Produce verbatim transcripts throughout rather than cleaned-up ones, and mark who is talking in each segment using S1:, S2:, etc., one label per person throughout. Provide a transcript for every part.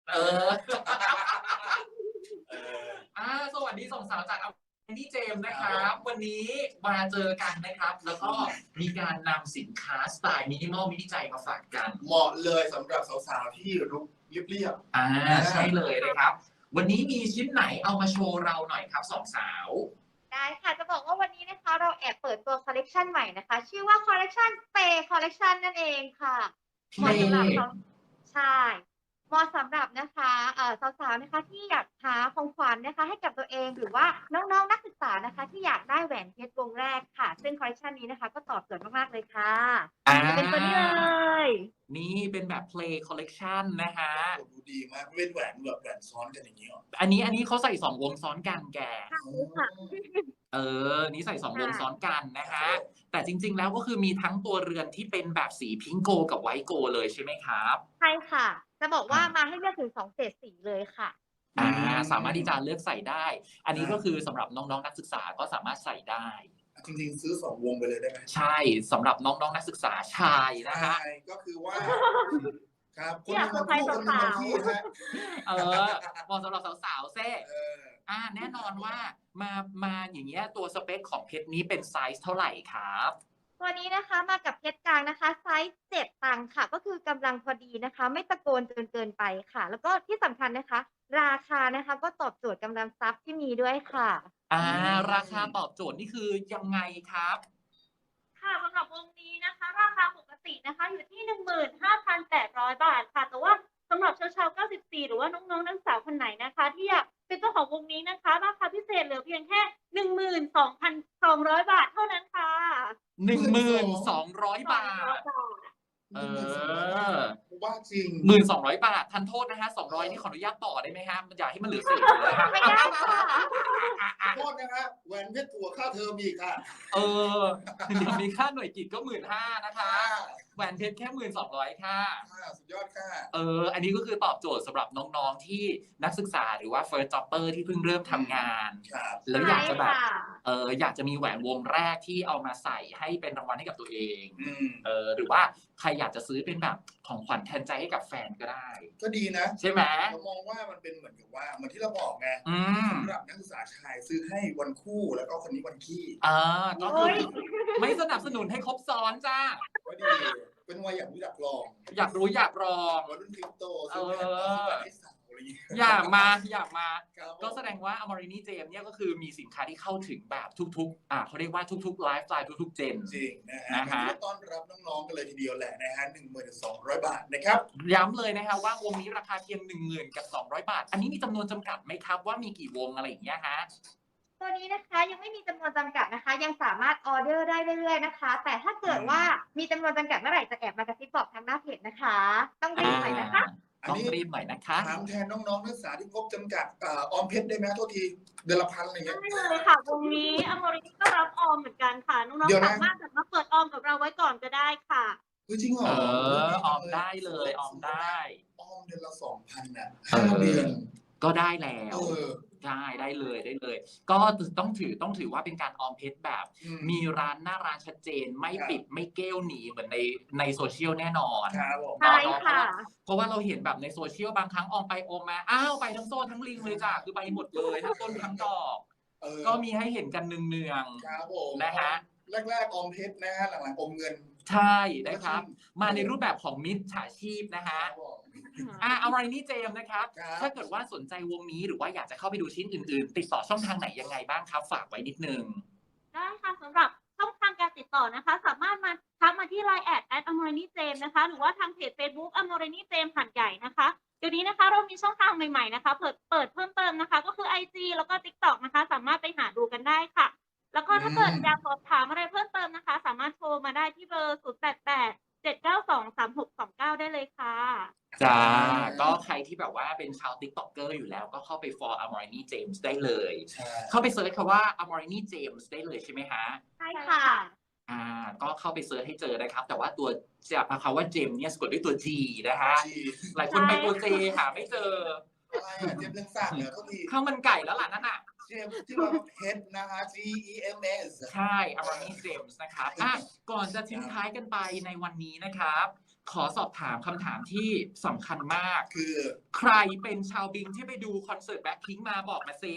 S1: เอออ่าสวัสดีสองสาวจากอันนี้เจมส์นะครับ วันนี้มาเจอกันนะครับ แล้วก็มีการนำสินค้าสไตล์มินิมอลมินิใจมาฝากกัน
S2: เหมาะเลยสำหรับสาวๆที่รุกเรียบ
S1: ๆอ่าใช่เลยนะครับ วันนี้มีชิ้นไหนเอามาโชว์เราหน่อยครับสองสาว
S3: ได้ค่ะจะบอกว่าวันนี้นะคะเราแอบเปิดตัวคอลเลกชันใหม่นะคะชื่อว่าคอลเลกชันเปย์คอลเลกชันนั่นเองค่ะเหมาะสำหรับเขาใช่เหมาะสำหรับนะคะเอ่อสาวๆนะคะที่อยากหาของขวัญนะคะให้กับตัวเองหรือว่าน้องๆนักศึกษานะคะที่อยากได้แหวนเพชรวงแรกค่ะซึ่งคอลเลกชันนี้นะคะก็ตอบโจทย์มากๆเลยค่ะจะเป็นตัวนี้เลย
S1: นี่เป็นแบบ play collection นะฮะ
S2: ดูดีมากเป็นแหวนแบบแหวนซ้อนกันอย่างนี้หรอ
S1: อันนี้อันนี้เขาใส่สองวงซ้อนกันแก
S3: ค่ะ
S1: เออนี่ใส่สองวงซ้อนกันนะฮะแต่จริงๆแล้วก็คือมีทั้งตัวเรือนที่เป็นแบบสีพิงโกกับไวท์โกเลยใช่ไหมครับ
S3: ใช่ค่ะจะบอกว่ามาให้เลือกถึงสองเฉดสีเลยค่ะ
S1: อ่าสามารถที่จะเลือกใส่ได้ อันนี้ก็คือสำหรับน้องๆนักศึกษาก็สามารถใส่ได้
S2: จริงๆซื้อสองวงไปเลยได้ไหม
S1: ใช่สำหรับน้องๆนักศึกษาชายนะฮะ
S2: ก็คือว่าครับคนนึงมาคู่คนนึงมาขี้ฮะ
S1: เออเหมาะสำหรับสาวๆเซ่อ่าแน่นอนว่ามามาอย่างเงี้ยตัวสเปคของเพชรนี้เป็นไซส์เท่าไหร่ครับ
S3: ตัวนี้นะคะมากับเพชรกลางนะคะไซส์เจ็ดตังค์ค่ะก็คือกำลังพอดีนะคะไม่ตะโกนจนเกินไปค่ะแล้วก็ที่สำคัญนะคะราคานะคะก็ตอบโจทย์กำลังทรัพย์ที่มีด้วยค่ะ
S1: อ่าราคาตอบโจทย์นี่คือยังไงครับ
S3: ค่ะสำหรับวงนี้นะคะราคาปกตินะคะอยู่ที่ หนึ่งหมื่นห้าพันแปดร้อย บาทค่ะแต่ว่าสำหรับชาวๆเก้าสิบสี่หรือว่าน้องๆนักศึกษาคนไหนนะคะที่อยากเป็นเจ้าของวงนี้นะคะราคาพิเศษเหลือเพียงแค่ หนึ่งหมื่นสองพันสองร้อย บาทเท่านั้นค่ะ
S1: หนึ่งหมื่นสองร้อย บาทเออ
S2: ว่าจริง
S1: หมื่นสองร้อยบาททันโทษนะฮะสองร้อยนี่ขออนุญาตต่อได้ไหมฮะมันอยากให้มันเหลือสี่เลย
S3: ไม่ได้ค่ะ
S2: โทษนะครับแหวนเพชรถั่วค่าเทอมอีกค่ะ
S1: เออเดี๋ยวมีค่าหน่วยกิจก็หมื่นห้านะคะแหวนเพชรแค่หมื่นสองร้อยค่ะ
S2: สุดยอดค่ะ
S1: เอออันนี้ก็คือตอบโจทย์สำหรับน้องๆที่นักศึกษาหรือว่า first jobber ที่เพิ่งเริ่มทำงานแล้วอยากจะแบบเอออยากจะมีแหวนวงแรกที่เอามาใส่ให้เป็นรางวัลให้กับตัวเองเออหรือว่าใครอยากจะซื้อเป็นแบบของขวัญแทนใจให้กับแฟนก็ได้
S2: ก็ดีนะ
S1: ใช่ไหม
S2: เรามองว่ามันเป็นเหมือนกับว่าเหมือนที่เราบอกไงสำหรับนักศึกษาชายซื้อให้วันคู่แล้วก็คนนี้วันขี้
S1: อ่าก็คือไม่สนับสนุนให้ครบซ้อนจ้า
S2: ก็ดีเป็นวัยอยากรู้อยากลอง
S1: อยากรู้อยากลอง
S2: วัยรุ่นคริปโต
S1: ซื้อ
S2: แผ่นให้สาว
S1: อยากมาอยากมาก็แสดงว่าอมรินีเจมเนี่ยก็คือมีสินค้าที่เข้าถึงแบบทุกๆอ่าเขาเรียกว่าทุกๆไลฟ์สไตล์ทุกๆเจน
S2: จริงนะฮะต้อนรับน้องๆกันเลยทีเดียวแหละนะฮะหนึ่งหมื่นสองร้อยบาทนะครับ
S1: ย้ำเลยนะฮะว่าวงนี้ราคาเพียงหนึ่งหมื่นกับสองร้อยบาทอันนี้มีจำนวนจำกัดไหมครับว่ามีกี่วงอะไรอย่างเงี้ยฮะ
S3: ตัวนี้นะคะยังไม่มีจำนวนจำกัดนะคะยังสามารถออเดอร์ได้เรื่อยๆนะคะแต่ถ้าเกิดว่ามีจำนวนจำกัดเมื่อไหร่จะแอบมากระซิบบอกทางหน้าเพจนะคะต้องรีบหน่อยนะคะ
S1: ต้องรีบหน่อยนะคะ
S2: ถามแทนน้องๆนักศึกษาที่งบจำกัดออมเพชรได้ไหมโทษทีเดือนละพันอะไรเงี้ย
S3: ได้เลยค่ะวงนี้อมรินีก็รับออมเหมือนกันค่ะน้องๆสามารถแบบมาเปิดออมกับเราไว้ก่อนก็ได้ค่ะ
S2: จริงเหรอ
S1: เออออมได้เลยออมได้
S2: ออมเดือนละสองพันอ่ะห้าเดือน
S1: ก็ได้แล้วได้ได้เลยได้เลยก็ต้องถือต้องถือว่าเป็นการออมเพชรแบบมีร้านหน้าร้านชัดเจนไม่ปิดไม่เก้วหนีเหมือนในในโซเชียลแน่นอน
S3: ใช่ค่ะ
S1: เพราะว่าเราเห็นแบบในโซเชียลบางครั้งออมไปออมมาอ้าวไปทั้งโซ่ทั้งลิงเลยจ้ะคือไปหมดเลยทั้งต้นทั้งดอกก็มีให้เห็นกันเนืองๆนะฮะ
S2: แรกๆออมเพชรนะฮะหลังๆอมเงิน
S1: ใช่นะครับมาในรูปแบบของมิจฉาชีพนะฮะอ่าอมรินีเจมนะครับถ้าเกิดว่าสนใจวงนี้หรือว่าอยากจะเข้าไปดูชิ้นอื่นๆติดต่อช่องทางไหนยังไงบ้างครับฝากไว้นิดนึง
S3: ได้ค่ะสำหรับช่องทางการติดต่อนะคะสามารถมาทักมาที่ ไลน์ แอด แอท อมรินีเจมนะคะหรือว่าทางเพจ Facebook อมรินีเจมหัดใหญ่นะคะเดี๋ยวนี้นะคะเรามีช่องทางใหม่ๆนะคะเปิดเปิดเพิ่มเติมนะคะก็คือ ไอ จี แล้วก็ ติ๊กต็อก นะคะสามารถไปหาดูกันได้ค่ะแล้วก็ถ้าเกิดอยากสอบถามอะไรเพิ่มเติมนะคะสามารถโทรมาได้ที่เบอร์ศูนย์ แปด แปด เจ็ด เก้า สอง สาม หก สอง เก้าได้เลยค่ะ
S1: จ้าก็ใครที่แบบว่าเป็นชาว TikToker อยู่แล้วก็เข้าไป follow Amorini James ได้เลยเข้าไปเซิร์ชคำว่า Amorini James ได้เลยใช่ไหมฮะ
S3: ใช่ค่ะ
S1: อ่าก็เข้าไปเซิร์ชให้เจอนะครับแต่ว่าตัวจะคำว่า James เนี่ยสะกดด้วยตัว G นะฮะหลายคนไปตัว J หาไม่เจอ
S2: อะไรอ่ะเจมส์เรื่องสั่งเหรอทุกที
S1: ข้าวมันไก่แล้วล่ะนั่นน่ะ
S2: เจมส์ที่ว่าเพชรนะฮะ G E M S
S1: ใช่ Amorini James นะครับอ่ะก่อนจะทิ้งท้ายกันไปในวันนี้นะครับขอสอบถามคำถามที่สำคัญมาก
S2: คือ
S1: ใครเป็นชาวบิงที่ไปดูคอนเสิร์ตแบ็คพิงค์มาบอกมาซิ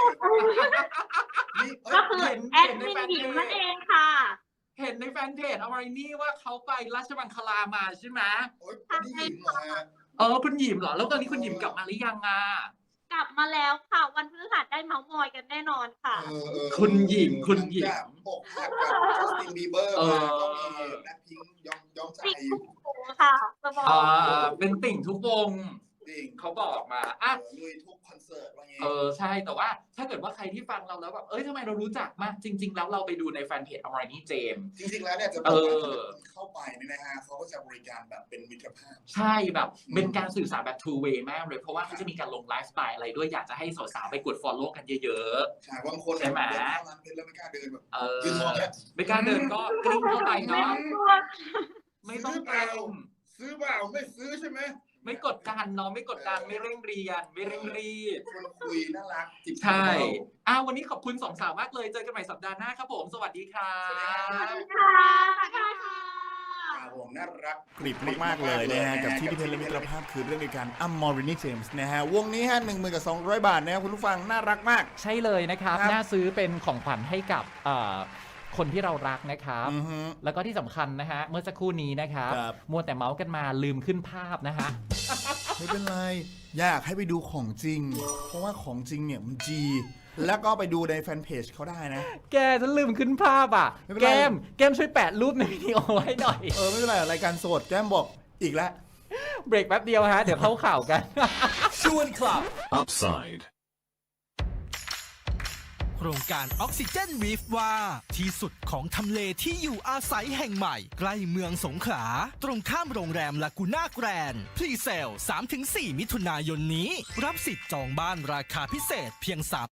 S2: นี่เอ้
S3: ก็
S2: ย
S3: คือ
S1: เห็น
S3: แอดมินหญิงนั่นเองค่ะ
S1: เห็นในแฟนเพจอมรินี่ว่าเขาไปราชมังคลามาใช่ไหม
S2: โอ๊ยคนที่หญิงเหรอฮะ
S1: เออคุณหยิมเหรอ แล้วตอนนี้คุณหยิมกลับมาหรือยังอ่ะ
S3: กลับมาแล้วค่ะ วันพฤหัสได้เมาส์มอยกันแน่นอนค่ะ
S2: เออเออ
S1: คุณหญิงคุณหญิง
S2: จากอกหักกับจัสตินบีเบอร์
S1: เอ
S2: มา
S1: อ
S2: ก็มีแบ็คพิงค์ยอมยอมใจ
S3: ติดทุกวงค่ะจะบอก
S1: อ่าเป็นติ่งทุกวง
S2: จริง
S1: เขาบอกมาอ่ะ
S2: เออลุยทุกคอนเสิร์ตว่างี้
S1: เออใช่แต่ว่าถ้าเกิดว่าใครที่ฟังเราแล้วแบบเอ้ยทำไมเรารู้จักมากจริง ๆ แล้วเราไปดูในแฟนเพจอมรินี่เจมส์
S2: จริงๆแล้วเนี่ยจะบ
S1: เอ
S2: อกว่า
S1: อ
S2: เข้าไปเนี่ยนะฮะเขาก็จะบริการแบบเป็นมิตรภาพ
S1: ใช่แบบเป็นการสื่อสารแบบ two way มากเลยเพราะว่าเขาจะมีการลงไลฟ์สไตล์อะไรด้วยอยากจะให้สาวๆไปกด follow กันเยอะ
S2: ใช่บางคน
S1: ใช่ไหม
S2: เดินเข้าร้านเพชรแล้วไม่กล้าเดินแบบ
S1: ๆเออ
S2: ยืนมองแล้ว
S1: ไม่กล้าเดินก็กลิ้งเข้าไป
S3: ไม่
S1: เนาะ
S3: ต้องกลัว
S1: ไม่ต้องเกรง
S2: ซื้อเปล่าไม่ซื้อใช่ไหม
S1: ไม่กดดันเนาะไม่กดดันไม่เร่งเรียนไม่เร่งรีบ
S2: ชวนคุยน่ารักจิบ
S1: ใช่อ้าววันนี้ขอบคุณสองสาวมากเลยเจอกันใหม่สัปดาห์หน้าครับผมสวัสดีครั
S2: สวัสดีครับ บ
S3: ค่ะค่ะค่ะ
S2: ครับผมน่ารัก
S4: กริบมาก ๆ เลยนะฮะ กับที่พิเทนและมิตรภาพคือเรื่องในการอัมมอรินีเจมส์นะฮะ วงนี้ฮะหนึ่งหมื่นกับสองร้อยบาทนะครับคุณผู้ฟัง น่ารักมาก
S1: ใช่เลยนะครับ
S4: ครับ
S1: น่าซื้อเป็นของขวัญให้กับเอ่อคนที่เรารักนะครับ
S4: อือฮึ
S1: แล้วก็ที่สำคัญนะฮะเมื่อสักครู่นี้นะครับ
S4: ครับ
S1: มัวแต่เมาส์กันมาลืมขึ้นภาพนะฮะ
S4: ไม่เป็นไร อยากให้ไปดูของจริง เพราะว่าของจริงเนี่ยมันจี แล้วก็ไปดูในแฟนเพจเขาได้นะ
S1: แกฉันลืมขึ้นภาพอ่ะ
S4: ไม่เป็น
S1: แก
S4: ไร
S1: มแกมช่วยแปะรูปในวิดีโอให้หน่อย
S4: เออ ไม่เป็นไรรายการโสดแก้มบอกอีกแล้ว
S1: เบรกแป๊บเดียวฮะ เดี๋ยวเข้าข่าวกัน
S5: ชวนคลับ
S6: Upside
S5: โครงการออกซิเจนวีฟว่าที่สุดของทำเลที่อยู่อาศัยแห่งใหม่ ใกล้เมืองสงขลา ตรงข้ามโรงแรมลากูน่าแกรนด์พรีเซล สามถึงสี่ มิถุนายนนี้ รับสิทธิ์จองบ้านราคาพิเศษเพียงสาม